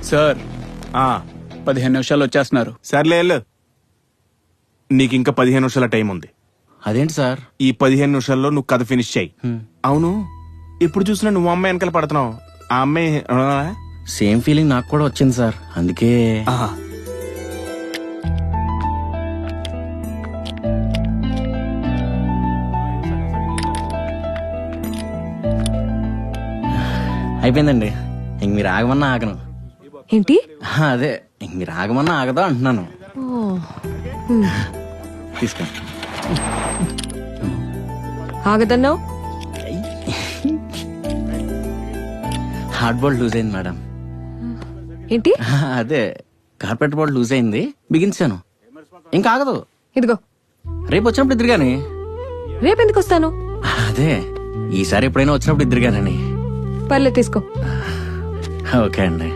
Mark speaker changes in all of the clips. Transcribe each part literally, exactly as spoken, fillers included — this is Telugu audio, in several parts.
Speaker 1: సార్
Speaker 2: ఆ,
Speaker 1: పదిహేను నిమిషాలు వచ్చేస్తున్నారు.
Speaker 2: సర్లే వెళ్ళు. నీకు ఇంకా పదిహేను నిమిషాల టైం ఉంది.
Speaker 3: అదేంటి సార్?
Speaker 2: ఈ పదిహేను నిమిషాల్లో నువ్వు కథ ఫినిష్ చెయ్యి. అవును, ఇప్పుడు చూసినా నువ్వు అమ్మాయి వెనకాల పడుతున్నావు. ఆ అమ్మాయి ఆ?
Speaker 3: సేమ్ ఫీలింగ్ నాకు కూడా వచ్చింది సార్, అందుకే.
Speaker 2: ఆహా.
Speaker 3: అయిపోయిందండి. ఇంక మీరు ఆగమన్నా ఆగను.
Speaker 4: ఏంటి?
Speaker 3: ఆ, అదే ఇంక మీరు ఆగమన్నా ఆగదా అంటున్నాను. తీసుకో.
Speaker 4: ఆగదన్నావు?
Speaker 3: హార్డ్ బోల్డ్ లూజ్ అయింది మేడం.
Speaker 4: ఏంటి?
Speaker 3: ఆ, అదే కార్పెట్ బోల్డ్ లూజ్ అయింది, బిగించాను. ఇంకా ఆగదు.
Speaker 4: ఇదిగో
Speaker 3: రేపు వచ్చినప్పుడు ఇద్దరు గాని.
Speaker 4: రేపెందుకు వస్తాను?
Speaker 3: అదే ఈసారి ఎప్పుడైనా వచ్చినప్పుడు ఇద్దరు గానని.
Speaker 4: పర్లే, తీసుకో.
Speaker 3: ఓకే అండి.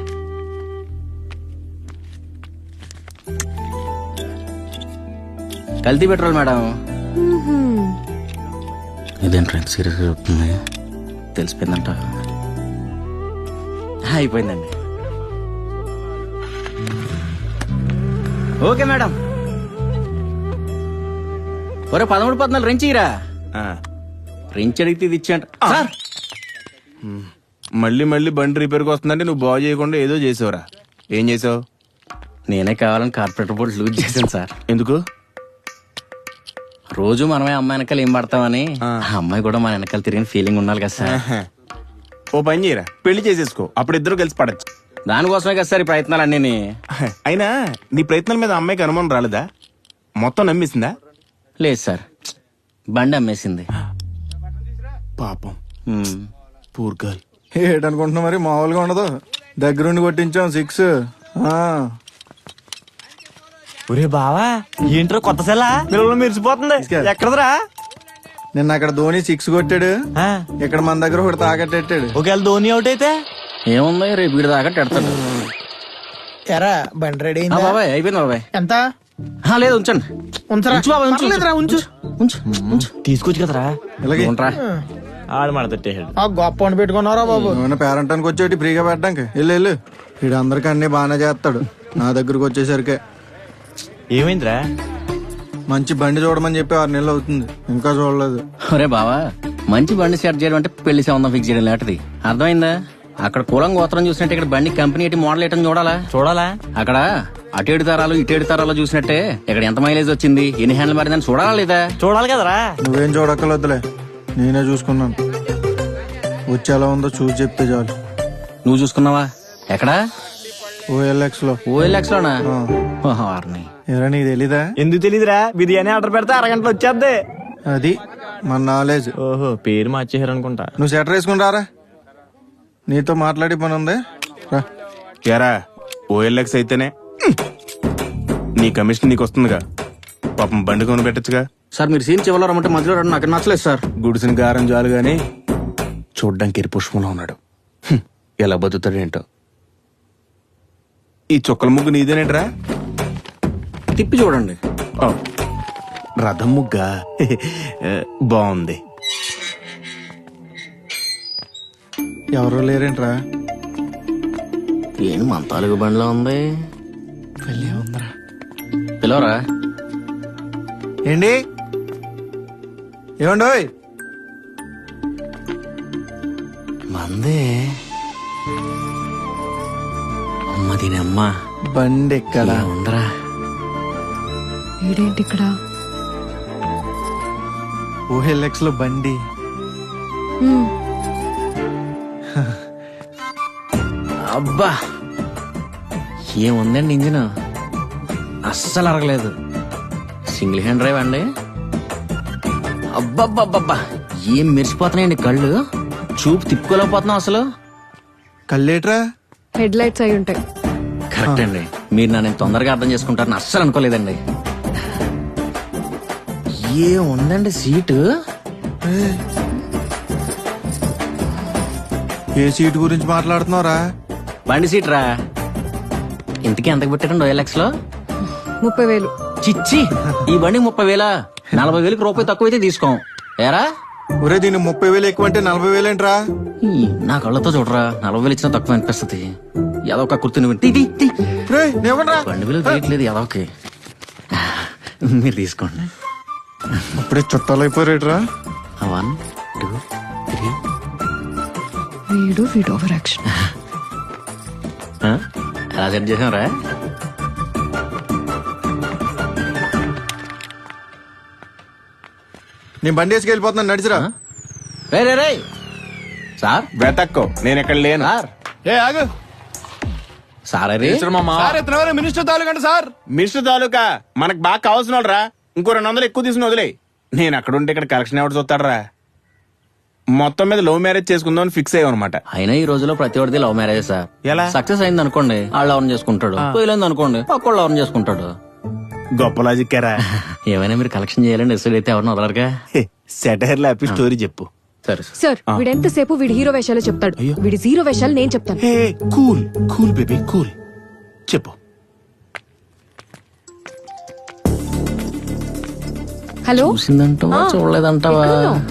Speaker 3: కల్తీ పెట్రోల్ మేడం.
Speaker 4: మ్మ్హ్మ్.
Speaker 3: ఇదేంటి సీరియస్గా చెప్తుంది? తెలిసిపోయిందంట. అయిపోయిందండి. Okay madam. ఒరే పదమూడు పద్నాలుగు రెంచి ఇరా.
Speaker 2: ఆ.
Speaker 3: రెంచి అడిగితే ఇది ఇచ్చేయంట సార్.
Speaker 2: మళ్ళీ మళ్ళీ బండి రిపేర్కి వస్తుందంటే నువ్వు బాగు చేయకుండా ఏదో చేసావురా. ఏం చేసావు?
Speaker 3: నేనే కావాలని కార్పొరేటర్ బోర్డు లూజ్ చేశాను సార్.
Speaker 2: ఎందుకు?
Speaker 3: రోజు మనమే అమ్మాయి వెనకాల ఏం పడతామని. ఆ అమ్మాయి కూడా మన వెనకాల తిరిగిన ఫీలింగ్ ఉండాలి కదా సార్.
Speaker 2: ఆహా. ఓ పని చేయరా, పెళ్లి చేసేసుకో. అప్పుడు ఇద్దరు కలిసి పడచ్చు.
Speaker 3: దానికోసమే కదా సార్ ఈ ప్రయత్నాలు అన్నీ.
Speaker 2: అయినా నీ ప్రయత్నాల మీద అమ్మాయికి అనుమానం రాలేదా? మొత్తం నమ్మేసిందా?
Speaker 3: లేదు సార్, బండి అమ్మేసింది.
Speaker 2: పాపం,
Speaker 3: ఉమ్.
Speaker 2: Poor girl.
Speaker 5: ఏటనుకుంటున్నా మరి, మామూలుగా ఉండదు. దగ్గరుండి కొట్టించాం సిక్స్.
Speaker 6: ఒరే బావా, ఏంట్రా కొత్త సెల పిల్లలు మెరిసిపోతుంది. ఎక్కడదరా?
Speaker 5: నిన్న అక్కడ ధోని సిక్స్ కొట్టాడు, ఇక్కడ మన దగ్గర ఒకటి తాకట్టెట్టాడు.
Speaker 6: ఒకవేళ ధోని అవుట్ అయితే
Speaker 3: ఏముంది, రేపు వీడి దాకా పెడతాడు.
Speaker 7: ఎరా బండి రెడీ
Speaker 3: ఆ బాబాయ్ అయిపోయింది బాబాయ్.
Speaker 7: ఎంత?
Speaker 3: ఆ, లేదు ఉంచండి.
Speaker 7: ఉంచరా?
Speaker 3: ఉంచు బాబాయ్, ఉంచు,
Speaker 7: పర్లేదురా, ఉంచు.
Speaker 3: ఉంచు ఉంచు.
Speaker 6: తీసుకొచ్చు కదరా.
Speaker 5: ఇలాగే
Speaker 3: ఉంట్రా.
Speaker 6: ఆడు మన తట్టేసాడు.
Speaker 7: ఆ గొప్ప వండి పెట్టుకున్నారా బాబు?
Speaker 5: నువ్వు పేరెంటానికి వచ్చేటి ఫ్రీగా పెట్టడానికి. వెళ్ళు వెళ్ళు. వీడు అందరికి అన్ని బాగానే చేస్తాడు, నా దగ్గరకు వచ్చేసరికి
Speaker 6: ఏమైందిరా?
Speaker 5: మంచి బండి చూడమని చెప్పి ఆరు నెలలు అవుతుంది, ఇంకా చూడలేదు.
Speaker 3: ఒరే బావా, మంచి బండి సెట్ చేయడం అంటే పెళ్లి సంబంధం ఫిక్స్ చేయడం లాంటిది. అర్థమైందా? అక్కడ కులం గోత్రం చూసినట్టే ఇక్కడ బండి కంపెనీ ఏంటి మోడల్ ఏంటని చూడాలా?
Speaker 6: చూడాలా?
Speaker 3: అక్కడ అటేడు తరాలు ఇటేడు తరాలు చూసినట్టే ఇక్కడ ఎంత మైలేజ్ వచ్చింది, ఎన్ని హ్యాండిల్ మారిందని చూడాలా లేదా?
Speaker 6: చూడాలి కదరా.
Speaker 5: నువ్వేం చూడక్కర్లేదులే, నేనే చూసుకున్నాను. వచ్చి ఎలా ఉందో చూసి చెప్తే చాలు.
Speaker 3: నువ్వు చూసుకున్నావా? ఎక్కడా?
Speaker 5: ఓఎల్ఎక్స్ లో.
Speaker 3: ఓఎల్ఎక్స్ లోనా? వారిని
Speaker 5: ఎవరా, నీకు తెలీదా?
Speaker 6: ఎందుకు తెలీదురా? బిర్యానీ ఆర్డర్ పెడితే అరగంటలో వచ్చేద్ది.
Speaker 5: అది మన నాలెడ్జ్.
Speaker 6: ఓహో, పేరు మార్చేసారు అనుకుంటా.
Speaker 5: నువ్వు సెటర్ వేసుకుని రారా, నీతో మాట్లాడి పని ఉంది. రా.
Speaker 2: యారా, ఓఎల్ఎక్స్ అయితేనే నీ కమిషన్ నీకు వస్తుందిగా. పాపం బండి కొని పెట్టచ్చుగా.
Speaker 3: సార్ మీరు సీన్ చివరిలో రమ్మంటే మధ్యలో రండి, నాకు నచ్చలేదు సార్.
Speaker 2: గుడిసిన గారం చాలు గాని చూడ్డానికి ఎరి పుష్పంలో ఉన్నాడు. హ్మ్, ఎలా బతుకుతాడేంటో. ఈ చుక్కల ముగ్గు నీదేనేట్రా?
Speaker 3: తిప్పి చూడండి.
Speaker 2: ఓ, రథం ముగ్గా బాగుంది.
Speaker 5: ఎవరో లేరేంట్రా?
Speaker 3: ఏం మన తాలూకు బండిలో ఉంది. పిలవరా?
Speaker 5: ఏంటి ఏమండోయ్?
Speaker 3: మందే. అమ్మ దీనమ్మ
Speaker 5: బండి ఎక్కడ
Speaker 3: ఉందరా?
Speaker 4: వీడేంటి ఇక్కడ?
Speaker 5: ఓఎల్ఎక్స్ లో బండి.
Speaker 4: మ్మ్.
Speaker 3: అబ్బా ఏముందండి ఇంజిన్, అస్సలు అరగలేదు. సింగిల్ హ్యాండ్ డ్రైవ్ అండి. అబ్బబ్బబ్బబ్బా ఏం మెరిసిపోతున్నాయండి కళ్ళు, చూపు తిప్పుకోలేకపోతున్నాం అసలు.
Speaker 5: కల్లేట్రా?
Speaker 4: హెడ్ లైట్స్ అయి ఉంటాయి.
Speaker 3: కరెక్ట్ అండి, మీరు నన్ను తొందరగా అర్థం చేసుకుంటారని అస్సలు అనుకోలేదండి. ఏముందండి సీటు,
Speaker 5: ఏ సీటు గురించి మాట్లాడుతున్నావురా?
Speaker 3: బండి సీట్ రా. ఇంతకీ ఎంతకు పెట్టారండి ఓఎల్ఎక్స్ లో?
Speaker 4: ముప్పై వేలు.
Speaker 3: చిచ్చి, ఈ బండి ముప్పై వేలా? నలభై వేలకి రూపాయి తక్కువైతే తీసుకోం. ఏరా
Speaker 5: ఒరే, దీన్ని ముప్పై వేలు ఎక్కువ అంటే నలభై వేలేంట్రా?
Speaker 3: ఈ, నా కళ్ళతో చూడరా, నలభై వేలు ఇచ్చినా తక్కువ అనిపిస్తుంది. ఏదో ఒక కుర్తుని వింటే
Speaker 5: రేయ్, నివ్వండ్రా.
Speaker 3: బండి విలువ తెలియట్లేదు ఏదో ఓకే మీరు తీసుకోండి.
Speaker 5: అప్పుడే చుట్టాలు అయిపోయారేట్రా.
Speaker 3: One two three.
Speaker 4: వీడు వీడు ఓవర్ యాక్షన్.
Speaker 3: ఎలా సెట్ చేసాంరా?
Speaker 5: నేను బండి వేసుకు వెళ్ళిపోతున్నాను, నడిచిరా.
Speaker 3: రే రే రే సార్
Speaker 2: వెతక్కో, నేను ఇక్కడ లేను.
Speaker 3: సార్
Speaker 1: ఏ ఆగు
Speaker 3: సార్ అది
Speaker 1: సార్ ఇతను ఎవరు? మినిస్టర్ తాలూకండి సార్.
Speaker 2: మిస్టర్ తాలూకా మనకు బాగా కావాల్సిన వాళ్ళు రా. ఇంకో రెండు వందలు ఎక్కువ తీసుకుని వదిలే. నేను అక్కడ ఉంటే ఇక్కడ కలెక్షన్ ఎవరు చూస్తాడరా? మొత్తం మీద లవ్ మ్యారేజ్ చేసుకుందాం అని ఫిక్స్ అయ్యాం అనమాట.
Speaker 3: అయినా ఈ రోజులో ప్రతి ఒక్కటి లవ్ మ్యారేజ్ సార్.
Speaker 2: ఎలా?
Speaker 3: సక్సెస్ అయింది అనుకోండి వాళ్ళు ఎవరిని చేసుకుంటాడు, పోయిలేదు అనుకోండి పక్కోళ్ళు ఎవరిని చేసుకుంటాడు.
Speaker 2: గొప్ప లాజిక్ రా.
Speaker 3: ఏమైనా మీరు కలెక్షన్ చేయాలని డిసైడ్ అయితే ఎవరిని వదలరుగా.
Speaker 2: సెటైర్ లో స్టోరీ చెప్పు.
Speaker 3: సరే
Speaker 4: సార్ వీడు ఎంతసేపు వీడి హీరో వేషాలు చెప్తాడు. వీడి జీరో వేషాలు నేను చెప్తాను.
Speaker 2: Hey cool cool baby cool. చెప్పు.
Speaker 4: హలో,
Speaker 3: చూసిందంటావా
Speaker 4: ఆ,
Speaker 3: చూడలేదంటావా?
Speaker 4: ఎక్కడున్నావ్?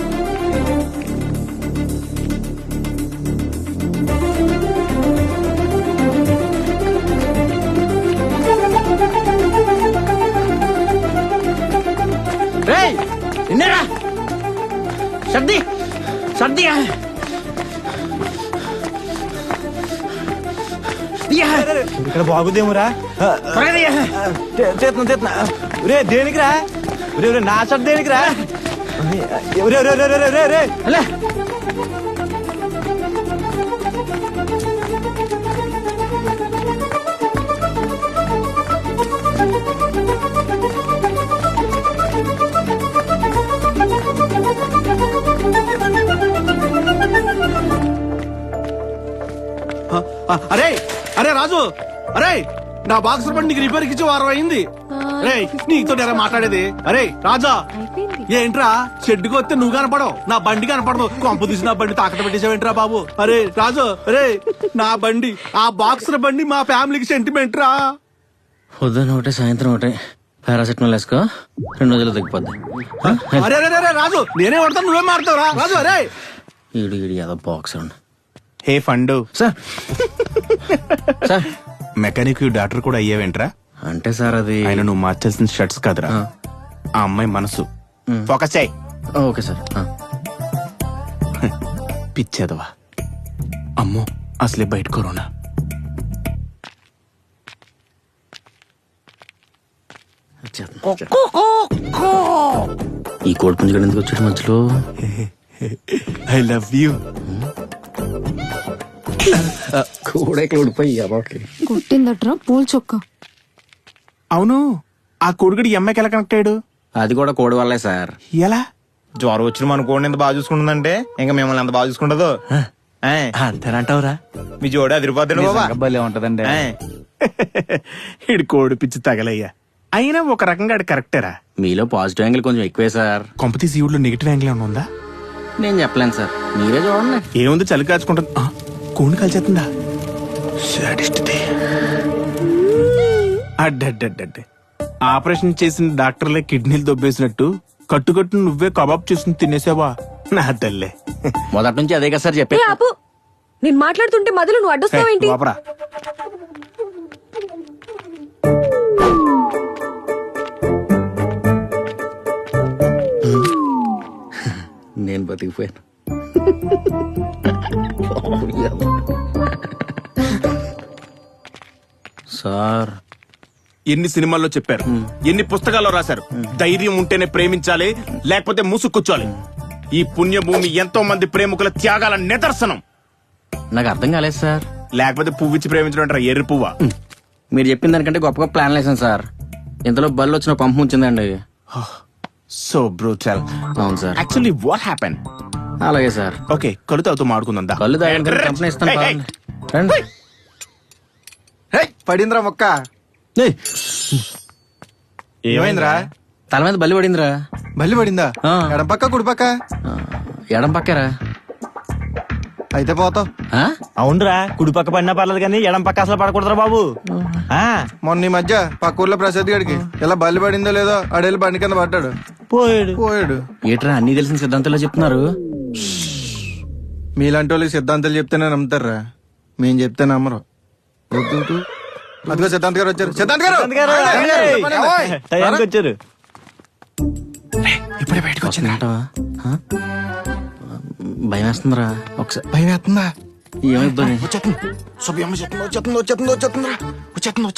Speaker 3: రేయ్ నిన్నేరా సర్ది సర్ది
Speaker 6: ఇక్కడ బాగుదేమురా. చేతున్నా చేతున్నా. రే దేనికిరా? రే రే నా షర్ట్ దేనికిరా? రే రే రే రే రే రే
Speaker 8: అరే అరే రాజు, అరే నా బాక్సర్ బండి నీకు రిపేర్ ఇచ్చి వారం అయింది. అరే నీతో నేరా మాట్లాడేది. అరే రాజా,
Speaker 4: అయిపోయింది.
Speaker 8: ఏంట్రా షెడ్కి వస్తే నువ్వు కనపడవు, నా బండి కనపడదు. కొంపు తీసి నా బండి తాకట పెట్టేసావేంట్రా బాబు? అరే రాజు, అరే నా బండి, ఆ బాక్సర్ బండి మా ఫ్యామిలీకి సెంటిమెంట్ రా.
Speaker 3: పొద్దున్న ఒకటే సాయంత్రం ఒకటే పారాసెటమాల్ వేసుకో, రెండు రోజులు తగ్గిపోద్ది.
Speaker 8: అరే అరే అరే రాజు, నేనే పడతాను నువ్వే మారుతావు రా రాజు. అరే
Speaker 3: ఈడు ఈడు ఏదో బాక్స్ ఉండు.
Speaker 2: హే ఫండు.
Speaker 3: సార్ సార్
Speaker 2: మెకానిక్ డాక్టర్ కూడా అయ్యావేంట్రా?
Speaker 3: అంటే సార్ అది
Speaker 2: ఆయన నువ్వు మార్చాల్సిన షర్ట్స్ కాదురా, ఆ అమ్మాయి మనసు. ఫోకస్ చేయి.
Speaker 3: Okay sir.
Speaker 2: పిచ్చేదవా. అమ్మో అసలే బయట కరోనా.
Speaker 3: ఈ కోడి పుంజుగడ ఎందుకు వచ్చాడు మధ్యలో?
Speaker 2: I love you.
Speaker 3: కూడా ఇక్కడ ఊడిపోయి అబాకి
Speaker 4: కొట్టిందట్రా పూల్ చొక్క.
Speaker 2: అవును, ఆ కొడుకుడు ఈ అమ్మాయికి ఎలా కనెక్ట్ అయ్యాడు?
Speaker 3: అది కూడా కోడి వల్లే సార్.
Speaker 2: ఎలా?
Speaker 6: జ్వరం వచ్చిన మన కోడిని ఎంత బాగా చూసుకుంటుందంటే ఇంకా మిమ్మల్ని ఎంత బాగా చూసుకుంటుందో.
Speaker 1: అంతేనంటావురా?
Speaker 6: మీ జోడి అదిరిపోద్దండి బాబా.
Speaker 1: భలే ఉంటదండి.
Speaker 2: ఇడు కోడి పిచ్చి తగలయ్యా. అయినా ఒక రకంగా అది కరెక్టేరా.
Speaker 3: మీలో పాజిటివ్ యాంగిల్ కొంచెం ఎక్కువే సార్.
Speaker 2: కొంపతీసి ఈవులో నెగిటివ్ యాంగిల్ ఏమైనా ఉందా?
Speaker 3: నేను చెప్పలేను సార్, మీరే చూడండి.
Speaker 2: ఏముంది, చలి కాచుకుంటుంది. ఆ, కోడి కలిసేస్తుందా? సాడిస్ట్ది. అడ్డడ్డడ్డే ఆపరేషన్ చేసిన డాక్టర్లే కిడ్నీలు దొబ్బేసినట్టు కట్టుకట్టు నువ్వే కబాబ్ చేసుకుని తినేసావా నా తల్లే.
Speaker 3: మొదటి నుంచి అదే కదా సార్
Speaker 4: ఏ
Speaker 3: చెప్పే.
Speaker 4: ఆపు, నేను మాట్లాడుతుంటే మధ్యలో నువ్వు అడ్డొస్తావేంటి?
Speaker 2: వాపరా.
Speaker 3: నేను బతికిపోయాను. సార్
Speaker 2: ఎన్ని సినిమాల్లో చెప్పారు, ఎన్ని పుస్తకాల్లో రాశారు, ధైర్యం ఉంటేనే ప్రేమించాలి, లేకపోతే మూసుకొచ్చాలి. ఈ పుణ్యభూమి ఎంతో మంది ప్రేమికుల త్యాగాల నిదర్శనం.
Speaker 3: నాకు అర్థం కాలేదు సార్.
Speaker 2: లేకపోతే పువ్విచ్చి ప్రేమించడం అంటారా? ఎర్రి పువ్వా?
Speaker 3: మీరు చెప్పిన దానికంటే గొప్ప గొప్ప ప్లాన్ వేసాను సార్. ఇంతలో బళ్ళు వచ్చిన పంపు ఉంచిందండి.
Speaker 2: So brutal.
Speaker 3: అవును సార్.
Speaker 2: Actually what happen?
Speaker 3: అలాగే సార్.
Speaker 2: ఓకే, కళ్ళు తాగుతూ మాడుకుందా?
Speaker 3: కళ్ళు తాగడానికి కంపెనీ ఇస్తాను.
Speaker 2: Hey, hey.
Speaker 3: పదండి. రండి.
Speaker 5: పడిందిరా మొక్క.
Speaker 3: ఏయ్,
Speaker 5: ఏమైందిరా?
Speaker 3: తల మీద బల్లి పడిందిరా.
Speaker 5: బల్లి పడిందా?
Speaker 3: ఆ.
Speaker 5: ఎడం పక్క కుడి పక్క?
Speaker 3: ఆ, ఎడం పక్కరా.
Speaker 5: అయితే పోతావు.
Speaker 3: ఆ?
Speaker 6: అవునరా, కుడి పక్క పడినా పర్లేదు కానీ ఎడం పక్క అసలు పడకూడదురా బాబు. ఆ
Speaker 5: మొన్న ఈ మధ్య పక్క ఊర్లో ప్రసాద్ గడికి ఇలా బల్లి పడిందో లేదో ఆడేళ్ళు బండి కింద పడ్డాడు,
Speaker 6: పోయాడు.
Speaker 5: పోయాడు.
Speaker 3: ఏట్రా అన్ని తెలిసిన సిద్ధాంతంలో చెప్తున్నారు.
Speaker 5: మీలాంటి వాళ్ళకి సిద్ధాంతాలు చెప్తేనే నమ్ముతారా, మేం చెప్తే నమ్మరు. అదిగో సిద్ధాంత్ గారు వచ్చారు సిద్ధాంత్ గారు
Speaker 6: అందుగారు,
Speaker 5: రండి,
Speaker 6: రండి.
Speaker 5: చెప్పండి. ఓయ్.
Speaker 6: టయానికి వచ్చారు
Speaker 1: ఇప్పుడే బయటకు వచ్చింది
Speaker 3: అంటావా? ఆ? భయం వేస్తుందిరా ఒకసారి
Speaker 5: భయం వేస్తుందా
Speaker 3: ఏమైద్దో
Speaker 5: వచ్చేస్తుంది సుబ్బి అమ్మ వచ్చేస్తుంది వచ్చేస్తుంది వచ్చేస్తుంది వచ్చేస్తుంది వచ్చేస్తుంది